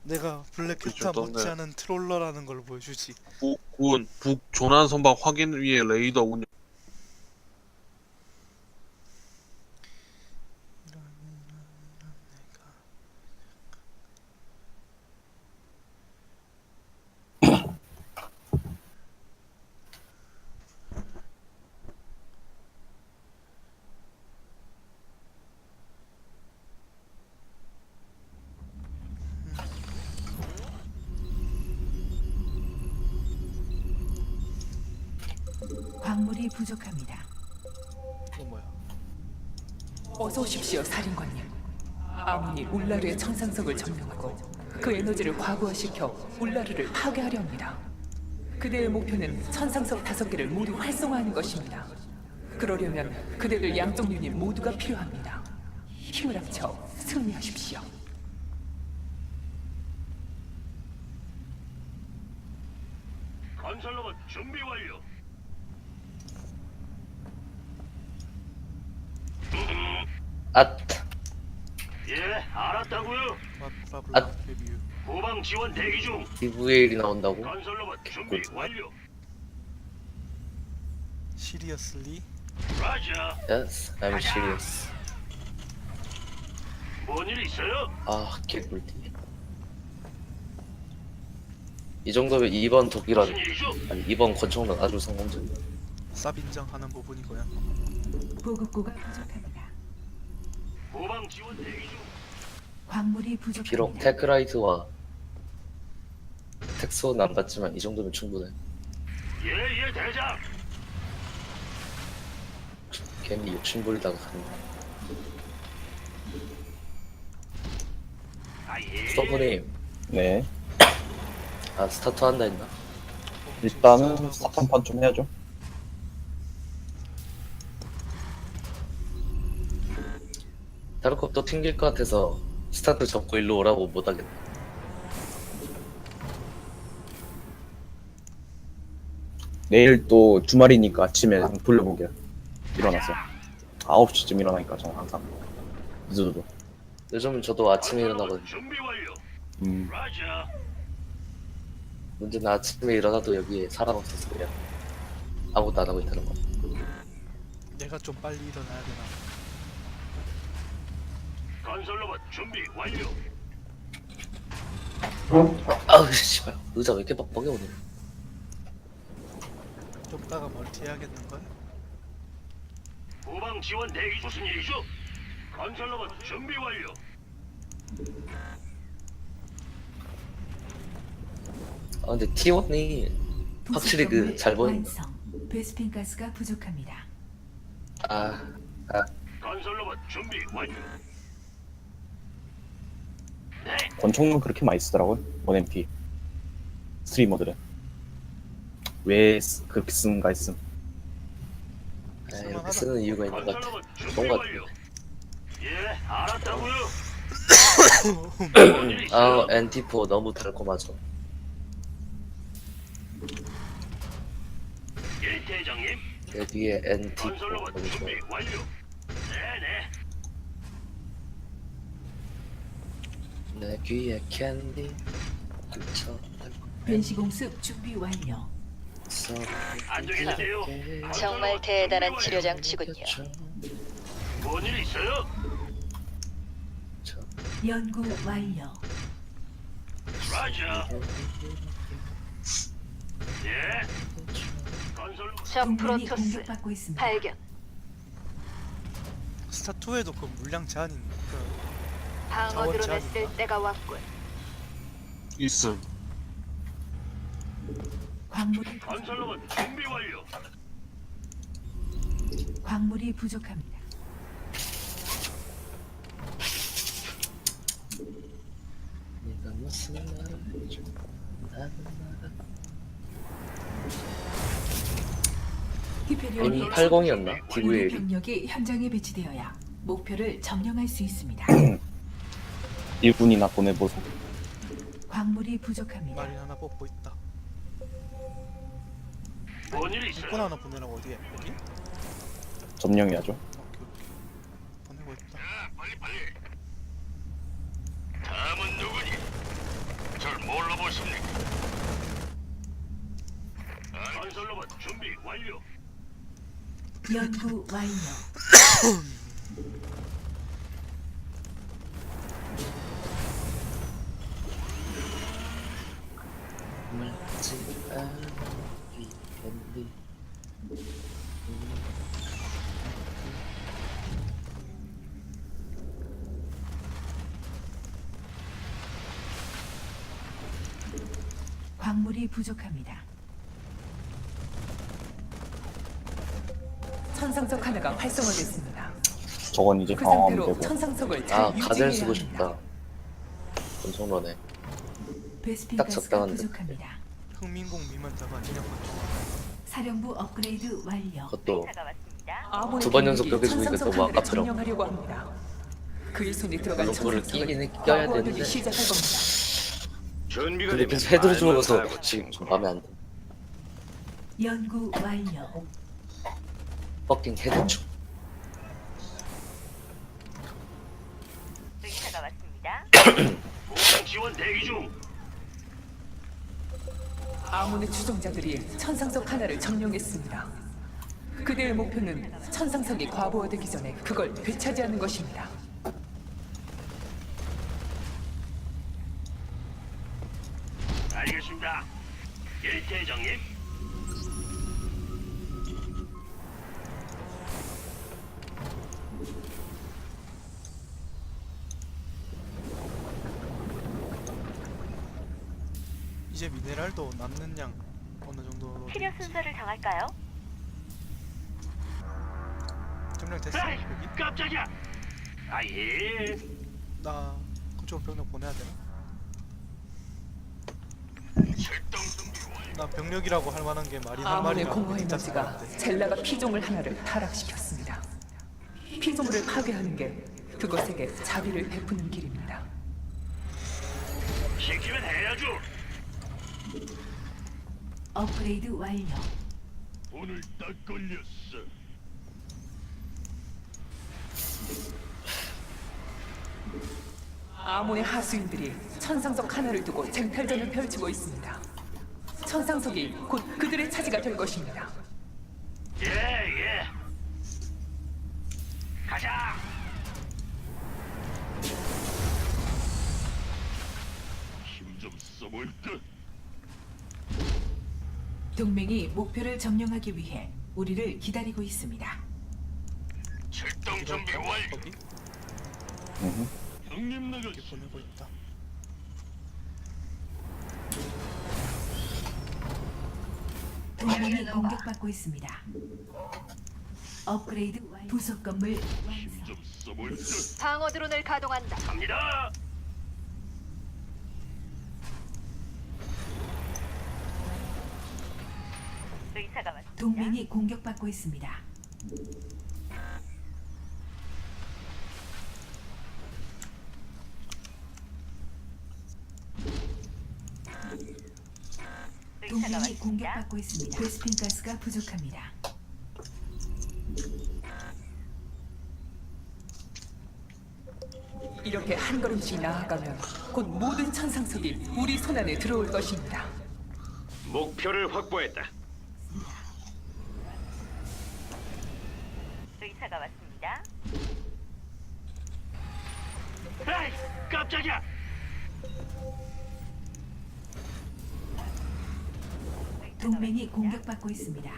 내가 블랙캣타 못지않은 트롤러라는 걸 보여주지. 북군 북조난 선박 확인 위에 레이더 운영. 광물이 부족합니다. 이거 뭐야? 어서 오십시오, 사령관님. 아문이 울라르의 천상석을 점령하고 그 에너지를 과부하시켜 울라르를 파괴하려 합니다. 그대의 목표는 천상석 5개를 모두 활성화하는 것입니다. 그러려면 그대들 양쪽 유닛 모두가 필요합니다. 힘을 합쳐 승리하십시오. 건설로봇 준비 완료. 앗! 예, 알았다고요. 브라블라 레뷰. 후방 지원 대기 중. DVL이 나온다고? 건설로봇 준비 완료. 시리어슬리? 라자. Yes, I'm serious. 뭔일 있어요? 아, 개꿀띠. 이 정도면 2번 독일은, 무슨 일이죠? 아니 2번 권총은 아주 성공적이야. 쌉 인정하는 부분이고요. 보급고가 부족합니다. 후방 지원 대기 중. 광물이 부족합니다. 비록 테크라이트와 텍스원은 안 받지만 이 정도면 충분해. 예, 대장. 괜히 욕심부리다가 가는 아, 예. 서브님, 네. 아 스타트 한다 했나? 일단은 사탄판 좀 해야죠. 다르콥 또 튕길 것 같아서 스타트 접고 일로 오라고 못하겠네. 내일 또 주말이니까 아침에 돌려보게. 일어나서 9시쯤 일어나니까 저는 항상 늦어도. 요즘은 저도 아침에 일어나거든요. 준비 완료. 음. 라자. 문제는 아침에 일어나도 여기에 사람 없어서 그냥 아무것도 안 하고 있다는 거. 내가 좀 빨리 일어나야 되나? 건설로봇 준비 완료. 아우 씨발 의자 왜 이렇게 뻑뻑해 오늘. 좀 따가 멀티 해야겠는걸? 후방 지원 대기 무슨 일이죠? 건설로봇 준비 완료. 아 근데 T1이 확실히 그 잘 보인다. 완성. 베스핀 가스가 부족합니다. 아 건설로봇 준비 완료. 권총은 그렇게 많이 쓰더라고요. 1MP 스트리머들은 왜 그렇게 쓰는가 했음. 이렇게 쓰는 이유가 있는 것 같아. 건설로봇 준비 좋은 것 완료. 예, 알았다고요. 같아. 아 NT4 너무 달콤하죠. 예, 대장님. 여기에 NT4 건설로봇 너무 준비 좋아요. 완료. 네네. 내 귀에 캔디 그쳐 변시공습 준비 완료. 안녕히 계세요. 정말 대단한 치료 장치군요. 뭔일 있어요? 연구 완료. 라자. 예. 건설 적 동맹이 프로토스 공격받고 있습니다. 발견. 스타2에도 그 물량 제한이 그 방어 자원 드론을 제한인가? 쓸 때가 왔군. 있음. 광물이 건설로봇 준비 완료. 광물이 부족합니다. 네가 무슨 말을 해줘 나는 말아. 히페리온이 M80이었나? 우리 DVL이 병력이 현장에 배치되어야 목표를 점령할 수 있습니다. 일꾼이나 보내보소. 광물이 부족합니다. 마린 하나 뽑고 있다. 뭔일 일꾼 있어요? 하나 보내라고 어디에? 여기? 점령해야죠. 오케이. 보내고 있다. 자, 빨리. 다음은 누구니? 뭘로 보십니까? 건설로봇 준비 완료. 연구 완료. 말지 않기 텐데. 광물이 부족합니다. 천상석 하나가 활성화됐습니다. 저건 이제 그 강화하면 상태로 되고. 천상석을 잘 아 가젤 유지해야 쓰고 합니다. 싶다. 권총러네. 베스핀 딱 가스가 적당한데. 부족합니다. 흥민공 미만자가 아니냐고. 사령부 업그레이드 완료. 그것도 아몬의 두번 연속 병력이 벽에 죽으니까 천상석 너무 하나를 아깝더라고. 점령하려고 합니다. 그의 손에 들어간 물론 그거를 천상석을 끼긴 껴야 과부하되기 되는데. 시작할 겁니다. 준비가 근데 되면 계속 헤드로 들어가서 말만 하고 지금 좀 마음에 안 돼. 연구 완료. 퍼킹 헤드 중. 보강 지원 대기 중. 아몬의 추종자들이 천상석 하나를 점령했습니다. 그들의 목표는 천상석이 과부하되기 전에 그걸 되찾이하는 것입니다. 알겠습니다. 일대장님. 이제 미네랄도 남는 양 어느 정도 치료 순서를 정할까요? 점령 됐어 에이, 여기? 깜짝이야. 아 예. 나 그쪽 병력 보내야 되나? 출동 준비 완료. 나 병력이라고 할 만한 게 말이 할 아몬의 말이나 공허 진짜 에너지가 생각인데. 젤라가 피조물 하나를 타락시켰습니다. 피조물을 파괴하는 게 그것에게 자비를 베푸는 길입니다. 시키면 해야죠. 업그레이드 완료. 오늘 딱 걸렸어. 아몬의 하수인들이 천상석 하나를 두고 쟁탈전을 펼치고 있습니다. 천상석이 곧 그들의 차지가 될 것입니다. 예 예. 가자. 힘 좀 써볼까? 동맹이 목표를 점령하기 위해 우리를 기다리고 있습니다. 출동 준비 완료. 거기 형님 나가. 여기 보내고 있다. 동맹이 공격받고 있습니다. 업그레이드 완료. 부속 건물 완성. 좀 써볼까? 방어 드론을 가동한다. 갑니다. 동맹이 공격받고 있습니다. 동맹이 공격받고 있습니다. 베스핀 가스가 부족합니다. 이렇게 한 걸음씩 나아가면 곧 모든 천상석이 우리 손안에 들어올 것입니다. 목표를 확보했다. 의사가 왔습니다. 에이, 깜짝이야. 동맹이 공격받고 있습니다.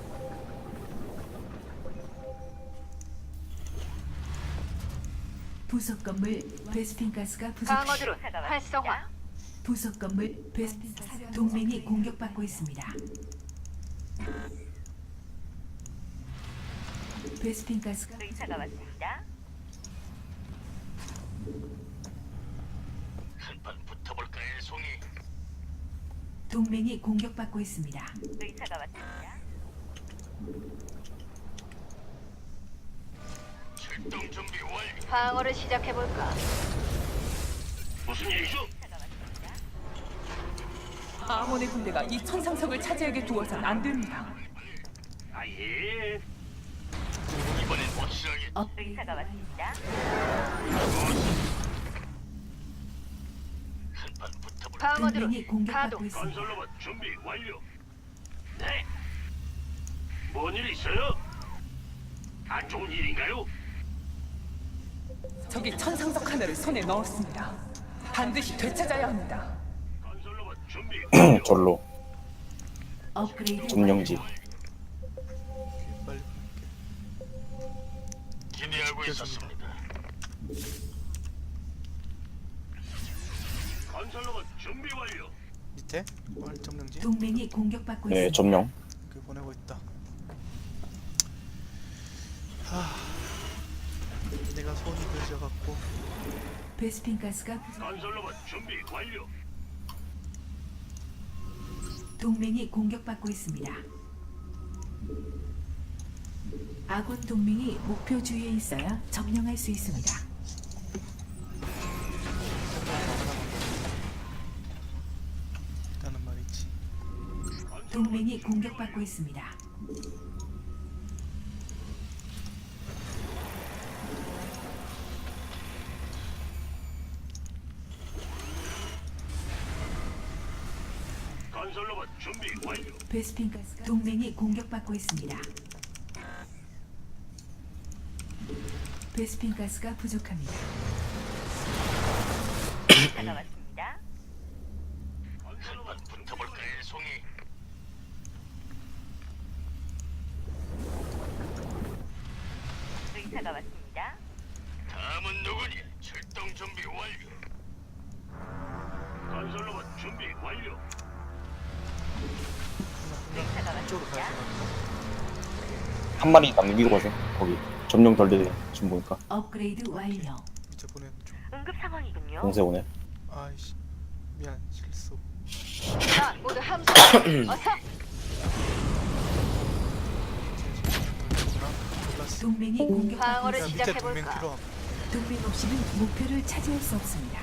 부속 건물 베스핀 가스가 방어 부족합니다. 드론 활성화. 부속 건물 베스핀 가스 동맹이 공격받고 있습니다. 베스핀 가스가 의사가 왔습니다. 한판 붙어볼까요, 송이? 동맹이 공격받고 있습니다. 의사가 왔습니다. 출동 준비 완료. 방어를 시작해 볼까? 무슨 일이죠? 아몬의 군대가 이 천상석을 차지하게 두어선 안 됩니다. 아 예. 이번엔 확실하게. 의사가 왔습니다. 한판 붙어볼. 방어드론 동맹이 공격받고 가동. 있습니다. 건설로봇 준비 완료. 네. 뭔 일 있어요? 안 좋은 일인가요? 적이 천상석 하나를 손에 넣었습니다. 반드시 되찾아야 합니다. 건설로봇 준비 완료. 절로 업그레이드 점령지. 빨리 기대하고 있었습니다. 건설로봇 준비 완료. 밑에 점령지 동맹이 공격받고 네, 있습니다. 점령. 그 보내고 있다. 내가 손이 늦어갖고 베스핀 가스가 부족- 건설로봇 준비 완료. 동맹이 공격받고 있습니다. 아군 동맹이 목표 주위에 있어야 점령할 수 있습니다. 있다는 말이지. 동맹이 공격받고 있습니다. 건설로봇 준비 완료. 베스핀 가스가 동맹이 공격받고 있습니다. 베스핀 가스가 부족합니다. 의사가 왔습니다. 건설로봇 붙어볼까요, 송이? 의사가 왔습니다. 다음은 누구니? 출동 준비 완료. 건설로봇 준비 완료. 의사가 이쪽으로 가야 왔습니다. 되거든요. 한 마리 남기고 가세요. 거기 점령 덜 되네. 지금 보니까 업그레이드 완료. 밑에 보내는 중. 응급 상황이군요. 공세 오네. 아이씨 미안 실수. 자, 모두 함성. 어서. 몰랐어. 동맹이 공격받고 방어를 야, 있습니다. 밑에 동맹 시작해볼까? 필요함. 동맹 없이는 목표를 차지할 수 없습니다.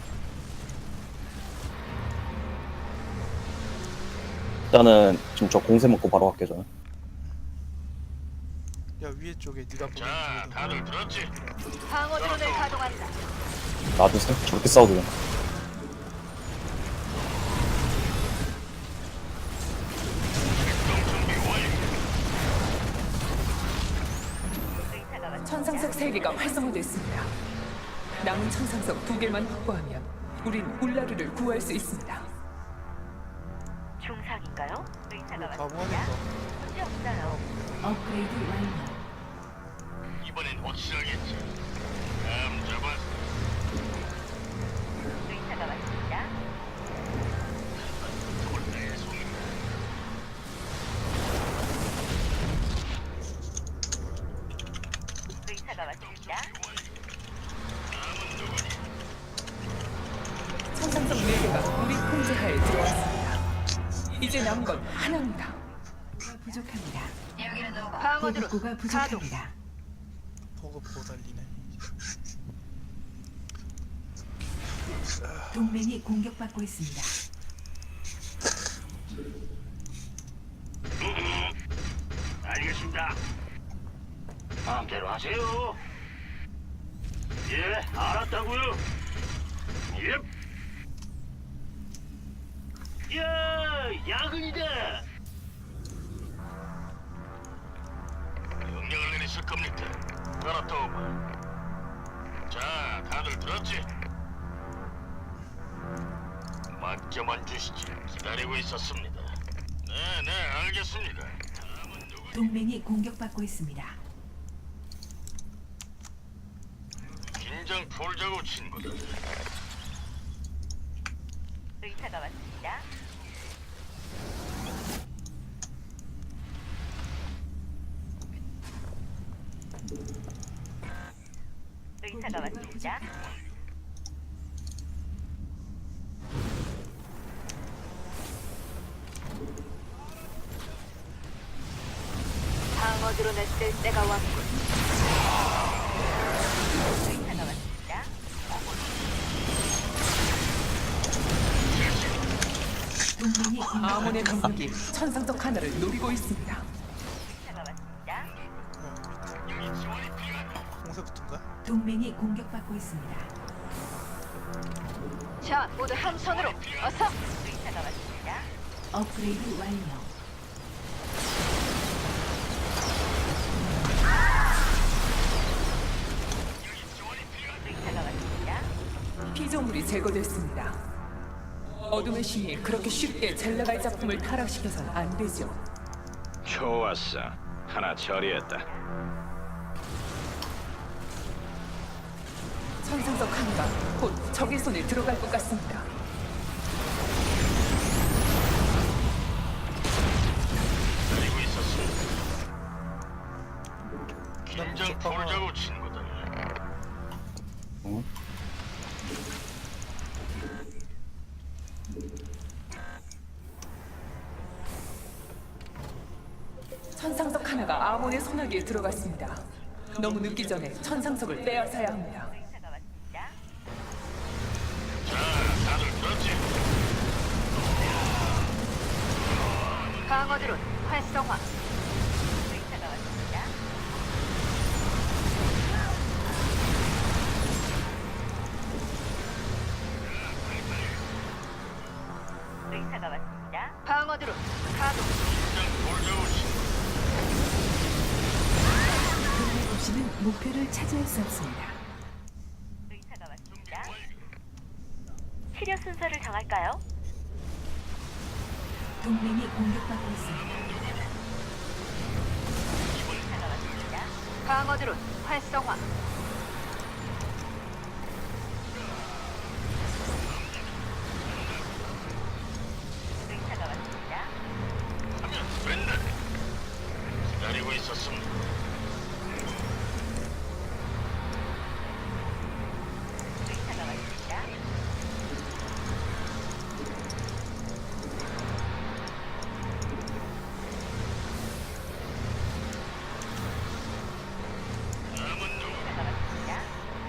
일단은 지금 저 공세 먹고 바로 갈게 저는. 야 위에 쪽에 네가 보는 자, 쪽에도 다들 들었지? 방어드론을 가동한다. 놔두세요. 저렇게 싸워도 돼. 의사가 왔습니다. 천상석 3개가 활성화됐습니다. 남은 천상석 2개만 확보하면 우린 울라르를 구할 수 있습니다. 중상인가요? 의사가 가보하니까 왔습니다. 문제 없어요. 업그레이드 완료. 이번엔 확실하겠지. 다음 잡아. 의사가 왔습니다. 붙어볼까요, 송이? 의사가 왔습니다. 다음은 누구니? 천상석 4개가 우리 통제하에 들어왔습니다. 이제 남은 건 하나입니다. 부족합니다. 방어드론 보급고가 가동. 부족합니다. 보급 보달리네. 동맹이 공격받고 있습니다. 알겠습니다. 마음대로 하세요. 예, 알았다고요. 예. 야, 야근이다. 명령을 내리실 겁니까? 알았다, 오바. 자, 다들 들었지? 맡겨만 주시지. 기다리고 있었습니다. 네, 알겠습니다. 다음은 누구? 동맹이 공격받고 있습니다. 긴장 풀자고 친구들. 의사가 왔습니다. 의사가 왔습니다. 방어드론을 쓸 때가 왔군. 의사가 왔습니다. 동맹이 아몬의 공격받고 병력이 있습니다. 천상석 하나를 노리고 있습니다. 의사가 왔습니다. 홍색부터인가? 동맹이 공격받고 있습니다. 자, 모두 한 손으로 어서. 의사가 왔습니다. 업그레이드 완료. 의사가 왔습니다. 피조물이 제거됐습니다. 어둠의 신이 그렇게 쉽게 젤라갈 작품을 타락시켜선 안 되죠. 좋았어. 하나 처리했다. 천상석 하나가 곧 적의 손에 들어갈 것 같습니다. 기다리고 있었습니다. 긴장 저 방어. 풀자고 친구들. 응? 천상석 하나가 아몬의 손아귀에 들어갔습니다. 너무 늦기 전에 천상석을 빼앗아야 합니다. 의사가 왔습니다. 자, 다들 들었지? 방어 드론 활성화. 의사가 왔습니다. 의사가 왔습니다. 방어 드론 가동. 긴장 풀자고 친구들. 그날 없이는 목표를 차지할 수 없습니다. 의사가 왔습니다. 치료 순서를 정할까요? 동맹이 공격받고 있습니다. 의사가 왔습니다. 방어 드론 활성화. 의사가 왔습니다. 하면 된다. 기다리고 있었습니다. 의사가 왔습니다. 의사가 왔습니다.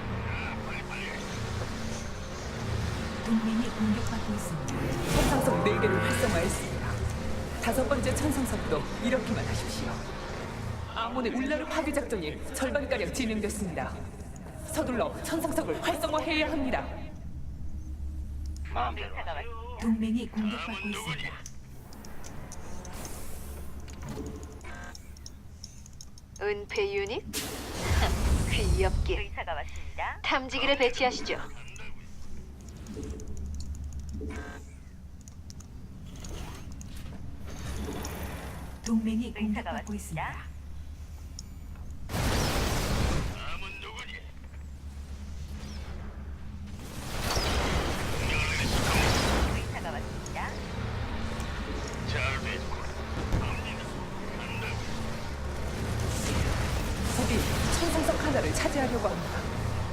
동맹이 공격받고 있습니다. 천상석 4개를 활성화했습니다. 5번째 천상석도 이렇게만 하십시오. 아몬의 울라르 파괴 작전이 절반가량 진행됐습니다. 서둘러 천상석을 활성화해야 합니다. 마음대로. 의사가 왔습니다. 동맹이 공격받고 있습니다. 은폐 유닛? 귀엽게. 의사가 왔습니다. 탐지기를 배치하시죠. 동맹이 의사가 공격받고 왔습니다. 있습니다. 남은 누구니? 의사가 왔습니다. 잘 됐고. 갑니다. 간다고. 적이 천상석 하나를 차지하려고 합니다.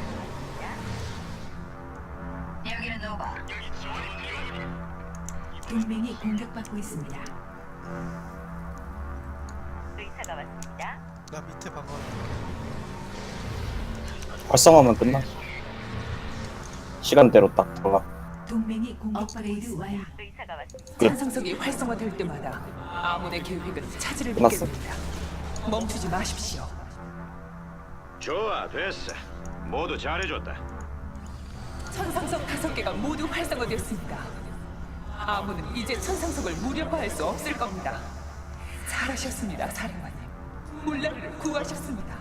여기는 노바. 여기 지원이 필요하니? 동맹이 공격받고 있습니다. 의사가 왔습니다. 나 밑에 방어. 활성화만 끝나. 시간대로 딱 들어가. 동맹이 공격받고 있습니다. 의사가 왔습니다. 천상석이 활성화될 때마다 아몬의 계획은 차질을 끝났어. 빚게 됩니다. 멈추지 마십시오. 좋아, 됐어. 모두 잘해줬다. 천상석 5개가 모두 활성화되었습니다. 아몬은 이제 천상석을 무력화할 수 없을 겁니다. 잘하셨습니다, 사령관님. 울라르를 구하셨습니다.